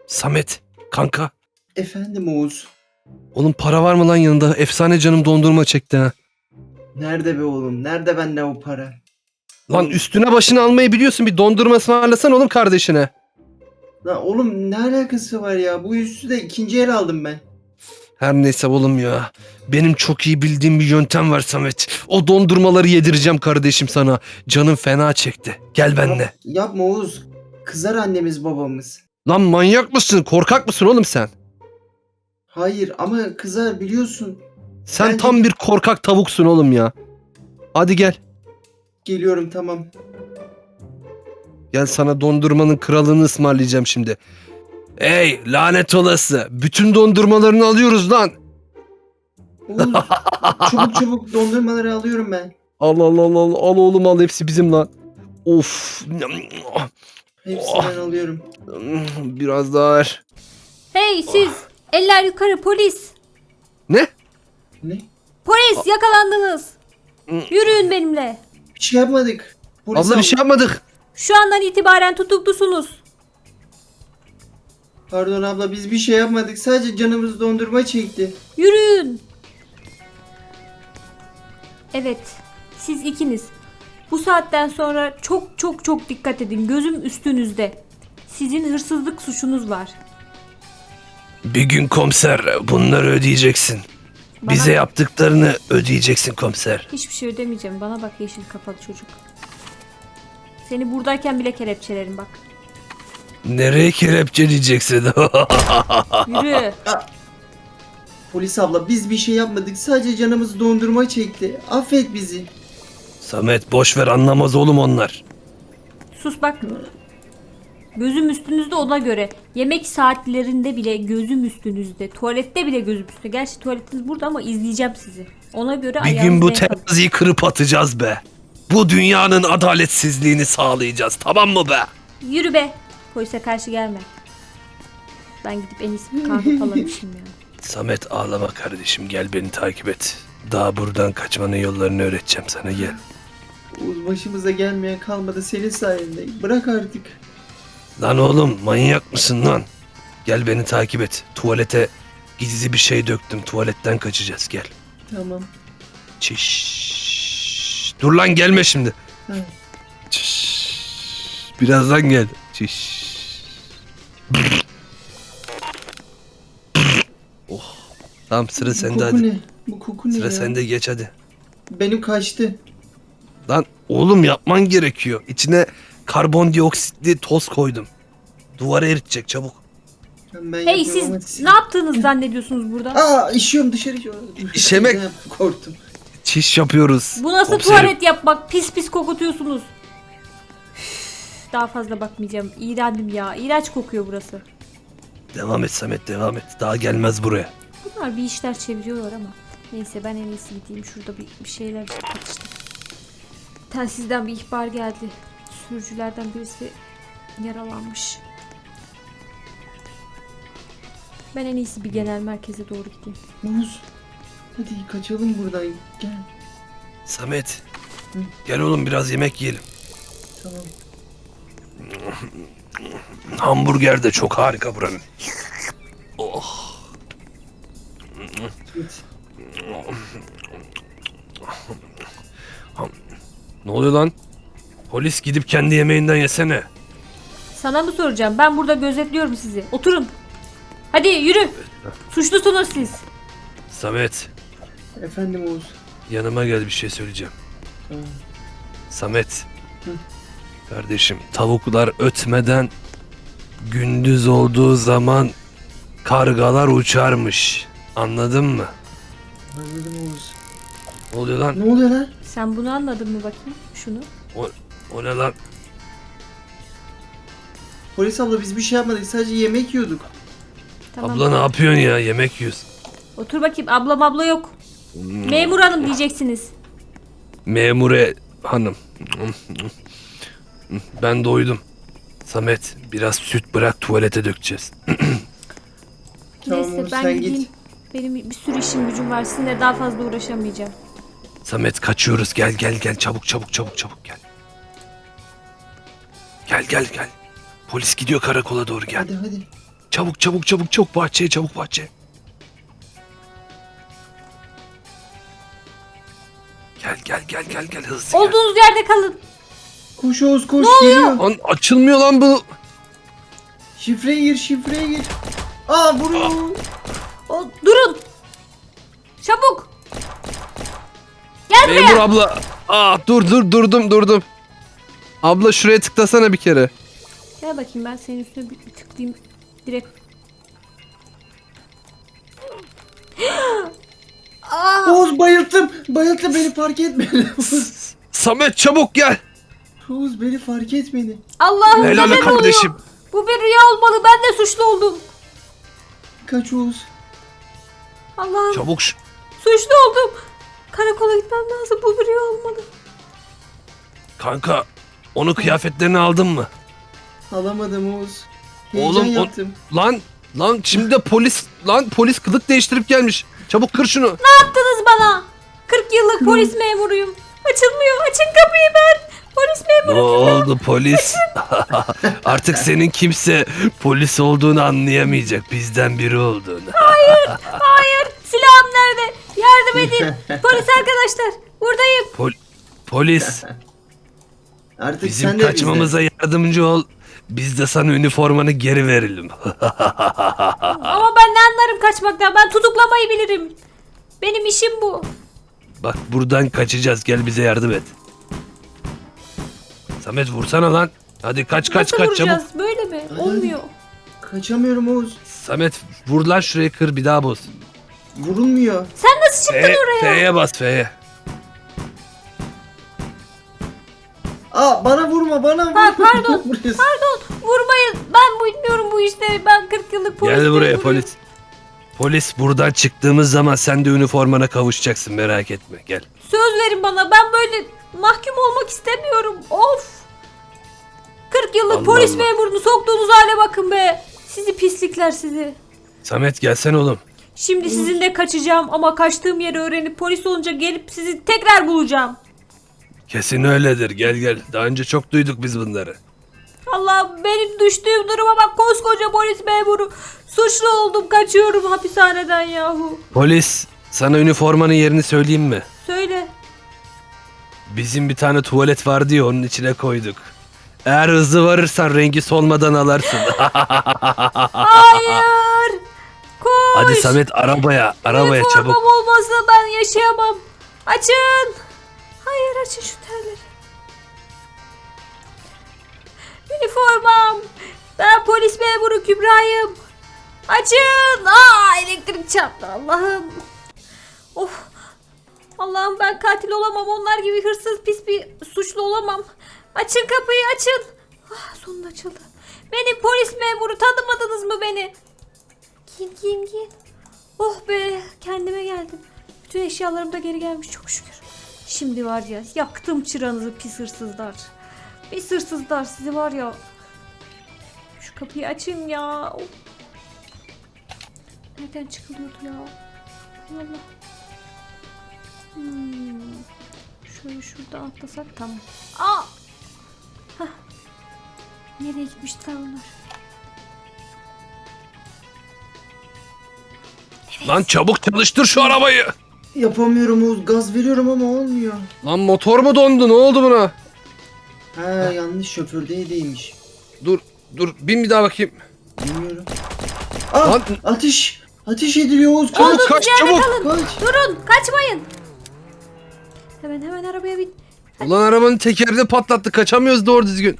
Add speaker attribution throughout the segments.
Speaker 1: Samet, kanka.
Speaker 2: Efendim Oğuz.
Speaker 1: Oğlum para var mı lan yanında? Efsane canım dondurma çekti ha.
Speaker 2: Nerede be oğlum? Nerede bende o para?
Speaker 1: Lan
Speaker 2: Oğlum,
Speaker 1: üstüne başını almayı biliyorsun. Bir dondurma ısmarlasan oğlum kardeşine.
Speaker 2: lan oğlum ne alakası var ya? Bu üstü de ikinci el aldım ben.
Speaker 1: Her neyse oğlum ya. Benim çok iyi bildiğim bir yöntem var Samet. O dondurmaları yedireceğim kardeşim sana. Canım fena çekti. Gel benimle.
Speaker 2: Yapma Oğuz. Kızar annemiz babamız.
Speaker 1: Lan manyak mısın? Korkak mısın oğlum sen?
Speaker 2: Hayır ama kızar biliyorsun.
Speaker 1: Sen
Speaker 2: Bence-
Speaker 1: tam bir korkak tavuksun oğlum ya. Hadi gel.
Speaker 2: Geliyorum tamam.
Speaker 1: Gel sana dondurmanın kralını ısmarlayacağım şimdi. Ey lanet olası. Bütün dondurmalarını alıyoruz lan.
Speaker 2: Oğuz çabuk çabuk dondurmaları alıyorum ben.
Speaker 1: Al al al al al oğlum al hepsi bizim lan. Of.
Speaker 2: Hepsinden alıyorum.
Speaker 1: Biraz daha ver.
Speaker 3: Hey siz! Eller yukarı polis!
Speaker 1: Ne?
Speaker 2: Ne?
Speaker 3: Polis yakalandınız! Yürüyün benimle.
Speaker 2: Bir şey yapmadık. Polis
Speaker 1: Abla bir şey yapmadık.
Speaker 3: Şu andan itibaren tutuklusunuz.
Speaker 2: Pardon abla biz bir şey yapmadık. Sadece canımız dondurma çekti.
Speaker 3: Yürüyün. Evet, siz ikiniz. Bu saatten sonra çok çok çok dikkat edin. Gözüm üstünüzde. Sizin hırsızlık suçunuz var.
Speaker 1: Bir gün komiser bunları ödeyeceksin.
Speaker 3: Bana
Speaker 1: Bize
Speaker 3: bak.
Speaker 1: yaptıklarını ödeyeceksin komiser.
Speaker 3: Hiçbir şey ödemeyeceğim. Bana bak yeşil kafalı çocuk. Seni buradayken bile kelepçelerim bak.
Speaker 1: Nereye kelepçeleyeceksin?
Speaker 3: Yürü.
Speaker 2: Polis abla biz bir şey yapmadık. Sadece canımız dondurma çekti. Affet bizi.
Speaker 1: Samet boş ver anlamaz oğlum onlar.
Speaker 3: Sus bak. Gözüm üstünüzde ona göre. Yemek saatlerinde bile gözüm üstünüzde. Tuvalette bile gözüm üstünde. Gerçi tuvaletiniz burada ama izleyeceğim sizi. Ona göre
Speaker 1: Bir gün
Speaker 3: ayağınızı
Speaker 1: bu
Speaker 3: denk alın.
Speaker 1: teraziyi kırıp atacağız be. Bu dünyanın adaletsizliğini sağlayacağız tamam mı be?
Speaker 3: Yürü be. Polise karşı gelme. Ben gidip en iyisi bir kahve falan içeyim ya.
Speaker 1: Samet ağlama kardeşim gel beni takip et. Daha buradan kaçmanın yollarını öğreteceğim sana gel.
Speaker 2: Oğuz başımıza gelmeyen kalmadı senin sayende. Bırak artık.
Speaker 1: Lan oğlum manyak mısın lan? Gel beni takip et. Tuvalete gizli bir şey döktüm. Tuvaletten kaçacağız gel.
Speaker 2: Tamam.
Speaker 1: Çiş. Dur lan gelme şimdi.
Speaker 2: Ha.
Speaker 1: Çiş. Birazdan gel. Çiş. Oh. Tamam sıra
Speaker 2: Bu
Speaker 1: sende
Speaker 2: koku
Speaker 1: hadi.
Speaker 2: ne? Bu koku ne
Speaker 1: Sıra
Speaker 2: ya?
Speaker 1: sende geç hadi.
Speaker 2: Benim kaçtı.
Speaker 1: Lan oğlum yapman gerekiyor. İçine karbondioksitli toz koydum. Duvara eritecek çabuk.
Speaker 2: Ben
Speaker 3: Hey
Speaker 2: yapıyorum ama
Speaker 3: siz ne yaptığınızı zannediyorsunuz burada?
Speaker 2: Aa işiyorum dışarı.
Speaker 1: İşemek.
Speaker 2: Ne yaptım, korktum.
Speaker 1: Çiş yapıyoruz.
Speaker 3: Bu nasıl
Speaker 1: Komiserim.
Speaker 3: tuvalet yapmak? Pis pis kokutuyorsunuz. Üf, daha fazla bakmayacağım. İğrendim ya. İğrenç kokuyor burası.
Speaker 1: Devam et Samet devam et. Daha gelmez buraya.
Speaker 3: Bunlar bir işler çeviriyorlar ama. Neyse ben en iyisi gideyim. Şurada bir şeyler atıştım. Telsizden bir ihbar geldi. Sürücülerden birisi yaralanmış. Ben en iyisi bir genel merkeze doğru gideyim.
Speaker 2: Oğuz. Hadi kaçalım buradan. Gel.
Speaker 1: Samet.
Speaker 2: Hı.
Speaker 1: Gel oğlum biraz yemek yiyelim.
Speaker 2: Tamam.
Speaker 1: Hamburger de çok harika buranın. Oh.
Speaker 2: Git.
Speaker 1: Ne oluyor lan? Polis gidip kendi yemeğinden yesene.
Speaker 3: Sana mı soracağım? Ben burada gözetliyorum sizi. Oturun. Hadi yürü. Suçlusunuz siz.
Speaker 1: Samet
Speaker 2: Efendim Oğuz.
Speaker 1: yanıma gel bir şey söyleyeceğim.
Speaker 2: Tamam.
Speaker 1: Samet.
Speaker 2: Hı.
Speaker 1: Kardeşim tavuklar ötmeden gündüz olduğu zaman kargalar uçarmış. Anladın mı?
Speaker 2: Anladım Oğuz.
Speaker 1: Ne oluyor lan?
Speaker 2: Ne oluyor lan?
Speaker 3: Sen bunu anladın mı bakayım? Şunu.
Speaker 1: O ne lan?
Speaker 2: Polis abla biz bir şey yapmadık. Sadece yemek yiyorduk.
Speaker 3: Tamam.
Speaker 1: Abla ne yapıyorsun ya? Yemek yiyoruz.
Speaker 3: Otur bakayım. Abla yok. Memur hanım diyeceksiniz.
Speaker 1: Memure hanım. Ben doydum. Samet biraz süt bırak tuvalete dökeceğiz.
Speaker 2: Tamam
Speaker 3: Neyse
Speaker 2: Oğuz,
Speaker 3: ben
Speaker 2: sen
Speaker 3: gideyim.
Speaker 2: git.
Speaker 3: Benim bir sürü işim gücüm var. Sizinle daha fazla uğraşamayacağım.
Speaker 1: Samet kaçıyoruz. Gel çabuk gel. Gel. Polis gidiyor karakola doğru gel.
Speaker 2: Hadi.
Speaker 1: Çabuk çabuk çabuk çabuk bahçeye, çabuk bahçeye. Gel hızlı gel.
Speaker 3: Olduğunuz yerde kalın.
Speaker 2: Koş Oğuz koş geliyor.
Speaker 1: Lan açılmıyor lan bu.
Speaker 2: Şifreye gir. Aa vuruyor.
Speaker 3: Durun. Çabuk. Gel buraya.
Speaker 1: Memur abla. Durdum. Abla şuraya tıklasana bir kere.
Speaker 3: Gel bakayım, ben senin üstüne bir tıklayayım. Direkt.
Speaker 2: Oğuz bayılttım beni fark etmedi.
Speaker 1: Samet çabuk gel.
Speaker 2: Oğuz beni fark etmedi.
Speaker 3: Allah'ım,
Speaker 1: Helal
Speaker 3: neler
Speaker 1: kardeşim.
Speaker 3: oluyor? Bu bir rüya olmalı. Ben de suçlu oldum.
Speaker 2: Kaç Oğuz.
Speaker 3: Allah'ım,
Speaker 1: Çabuk
Speaker 3: suçlu oldum. Karakola gitmem lazım. Bu bir rüya olmalı.
Speaker 1: kanka, onun kıyafetlerini aldın mı?
Speaker 2: Alamadım Oğuz. Heyecan
Speaker 1: Oğlum,
Speaker 2: yaptım.
Speaker 1: Lan şimdi de polis kılık değiştirip gelmiş. Çabuk kır şunu.
Speaker 3: Ne yaptınız bana? 40 yıllık polis memuruyum. Açılmıyor. Açın kapıyı ben. Polis
Speaker 1: Ne
Speaker 3: memuru.
Speaker 1: oldu polis? Artık senin kimse polis olduğunu anlayamayacak. Bizden biri olduğunu.
Speaker 3: Hayır. Silahım nerede? Yardım edin. Polis arkadaşlar. Buradayım.
Speaker 1: Polis,
Speaker 2: Artık
Speaker 1: bizim
Speaker 2: sen de
Speaker 1: kaçmamıza yardımcı ol. Biz de sana üniformanı geri verelim.
Speaker 3: Ama ben ne anlarım kaçmaktan? Ben tutuklamayı bilirim. Benim işim bu.
Speaker 1: Bak buradan kaçacağız. Gel bize yardım et. Samet vursana lan. Hadi kaç
Speaker 3: Nasıl
Speaker 1: çabuk.
Speaker 3: vuracağız? Böyle mi? Olmuyor.
Speaker 2: Kaçamıyorum Oğuz.
Speaker 1: Samet vur lan şurayı, kır bir daha boz.
Speaker 2: Vurulmuyor.
Speaker 3: Sen nasıl çıktın oraya?
Speaker 1: F'ye bas F'ye.
Speaker 2: Aa bana vurma bana.
Speaker 3: Pardon.
Speaker 2: Vuruyorsun.
Speaker 3: Pardon. Vurmayın. Ben bilmiyorum bu işleri. Ben 40 yıllık polis
Speaker 1: Gel buraya
Speaker 3: memuruyum.
Speaker 1: polis. Polis, buradan çıktığımız zaman sen de üniformana kavuşacaksın, merak etme, gel.
Speaker 3: Söz verin bana. Ben böyle mahkum olmak istemiyorum. Of. 40 yıllık
Speaker 1: Allah
Speaker 3: polis
Speaker 1: Allah.
Speaker 3: memurunu soktuğunuz hale bakın be. Sizi pislikler sizi.
Speaker 1: Samet gelsene oğlum.
Speaker 3: Şimdi sizinle kaçacağım ama kaçtığım yeri öğrenip polis olunca gelip sizi tekrar bulacağım.
Speaker 1: Kesin öyledir, gel. Daha önce çok duyduk biz bunları.
Speaker 3: Allah, benim düştüğüm duruma bak, koskoca polis memuru. Suçlu oldum, kaçıyorum hapishaneden yahu.
Speaker 1: Polis, sana üniformanın yerini söyleyeyim mi?
Speaker 3: Söyle.
Speaker 1: Bizim bir tane tuvalet vardı ya, onun içine koyduk. Eğer hızlı varırsan rengi solmadan alarsın.
Speaker 3: Hayır. Koş.
Speaker 1: Hadi Samet arabaya çabuk.
Speaker 3: Üniformam olmazsa ben yaşayamam. Açın. Hayır, açın şu terleri. Üniformam. Ben polis memuru Kübra'yım. Açın. Elektrik çarptı Allah'ım. Of. Allah'ım, ben katil olamam. Onlar gibi hırsız, pis bir suçlu olamam. Açın kapıyı, açın. Sonunda açıldı. Beni polis memuru, tanımadınız mı beni? Giyin. Oh be, kendime geldim. Bütün eşyalarım da geri gelmiş çok şükür. Şimdi var ya, yaktım çıranızı pis hırsızlar. Pis hırsızlar sizi var ya. Şu kapıyı açın ya. Of. Nereden çıkılıyordu ya? Hay Allah. Şöyle şuradan atlasak tamam. Hah. Nereye gitmişler onlar?
Speaker 1: Lan çabuk çalıştır şu arabayı.
Speaker 2: Yapamıyorum Oğuz. Gaz veriyorum ama olmuyor.
Speaker 1: Lan motor mu dondu, ne oldu buna?
Speaker 2: Ha yanlış şofördeymiş.
Speaker 1: Dur bin bir daha bakayım.
Speaker 2: Bilmiyorum. Aa
Speaker 1: Lan-
Speaker 2: ateş ediliyor Oğuz. Kaç.
Speaker 3: Olduğunuz
Speaker 1: kaç,
Speaker 3: yerde
Speaker 1: çabuk.
Speaker 3: kalın.
Speaker 2: Kaç.
Speaker 3: Durun, kaçmayın. Hemen arabaya bin.
Speaker 1: Ulan arabanın tekeri de patlattı, kaçamıyoruz doğru düzgün.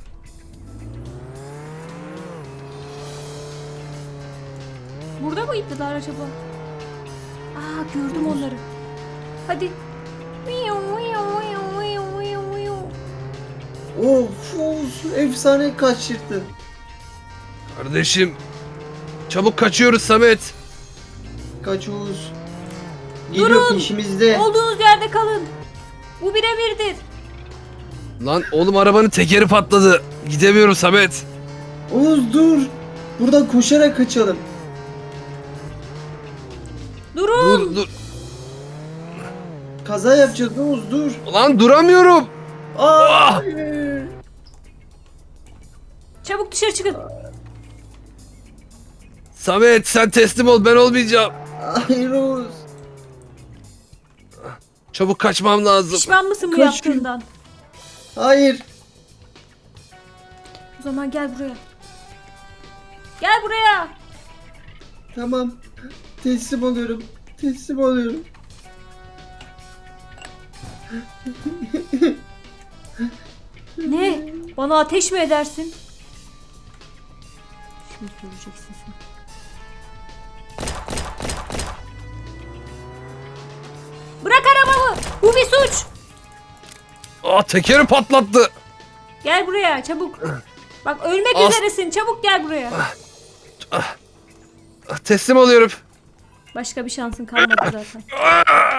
Speaker 3: Burada mıydılar acaba? Gördüm onları. Hadi.
Speaker 2: Of Oğuz. Efsane kaçırttın.
Speaker 1: Kardeşim, çabuk kaçıyoruz Samet.
Speaker 2: Kaç Oğuz. Geliyor
Speaker 3: Durun.
Speaker 2: peşimizde.
Speaker 3: Olduğunuz yerde kalın. Bu bir emirdir.
Speaker 1: Lan oğlum, arabanın tekeri patladı. Gidemiyorum Samet.
Speaker 2: Oğuz dur. Buradan koşarak kaçalım.
Speaker 3: Durun.
Speaker 1: Dur.
Speaker 2: Kaza yapacağız Oğuz dur.
Speaker 1: Lan duramıyorum.
Speaker 2: Aa!
Speaker 3: Çabuk dışarı çıkın.
Speaker 1: Samet sen teslim ol, ben olmayacağım.
Speaker 2: Hayır Oğuz.
Speaker 1: Çabuk kaçmam lazım.
Speaker 3: Pişman mısın bu
Speaker 2: Kaç
Speaker 3: yaptığından?
Speaker 2: Hayır.
Speaker 3: O zaman gel buraya. Gel buraya.
Speaker 2: Tamam. Teslim oluyorum. Teslim oluyorum.
Speaker 3: Ne? Bana ateş mi edersin? Şimdi göreceksin sen. Bırak arabamı. Bu bir suç.
Speaker 1: Aa, tekeri patlattı.
Speaker 3: Gel buraya çabuk. Bak ölmek
Speaker 1: As-
Speaker 3: üzeresin. Çabuk gel buraya.
Speaker 1: Teslim oluyorum.
Speaker 3: Başka bir şansın kalmadı zaten.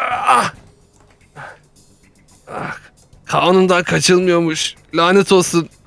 Speaker 1: Kanundan kaçılmıyormuş. Lanet olsun.